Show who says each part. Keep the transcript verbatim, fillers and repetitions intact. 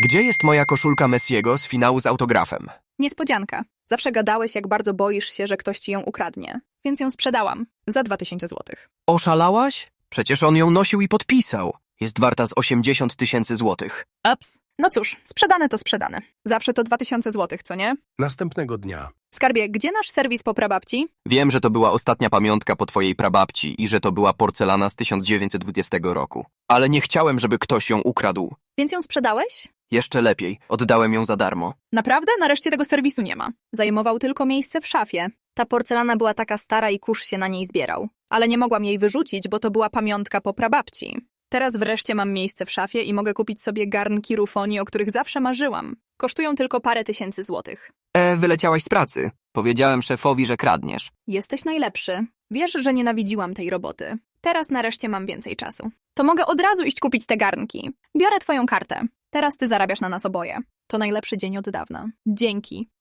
Speaker 1: Gdzie jest moja koszulka Messiego z finału z autografem?
Speaker 2: Niespodzianka. Zawsze gadałeś, jak bardzo boisz się, że ktoś ci ją ukradnie. Więc ją sprzedałam. Za dwa tysiące złotych.
Speaker 1: Oszalałaś? Przecież on ją nosił i podpisał. Jest warta z osiemdziesiąt tysięcy złotych.
Speaker 2: Ups. No cóż, sprzedane to sprzedane. Zawsze to dwa tysiące złotych, co nie?
Speaker 3: Następnego dnia.
Speaker 2: Skarbie, gdzie nasz serwis po prababci?
Speaker 1: Wiem, że to była ostatnia pamiątka po twojej prababci i że to była porcelana z tysiąc dziewięćset dwudziestego roku. Ale nie chciałem, żeby ktoś ją ukradł.
Speaker 2: Więc ją sprzedałeś?
Speaker 1: Jeszcze lepiej, oddałem ją za darmo.
Speaker 2: Naprawdę? Nareszcie tego serwisu nie ma. Zajmował tylko miejsce w szafie. Ta porcelana była taka stara i kurz się na niej zbierał. Ale nie mogłam jej wyrzucić, bo to była pamiątka po prababci. Teraz wreszcie mam miejsce w szafie i mogę kupić sobie garnki rufonii, o których zawsze marzyłam. Kosztują tylko parę tysięcy złotych.
Speaker 1: E, wyleciałaś z pracy. Powiedziałem szefowi, że kradniesz.
Speaker 2: Jesteś najlepszy. Wiesz, że nienawidziłam tej roboty. Teraz nareszcie mam więcej czasu. To mogę od razu iść kupić te garnki. Biorę twoją kartę. Teraz ty zarabiasz na nas oboje. To najlepszy dzień od dawna. Dzięki.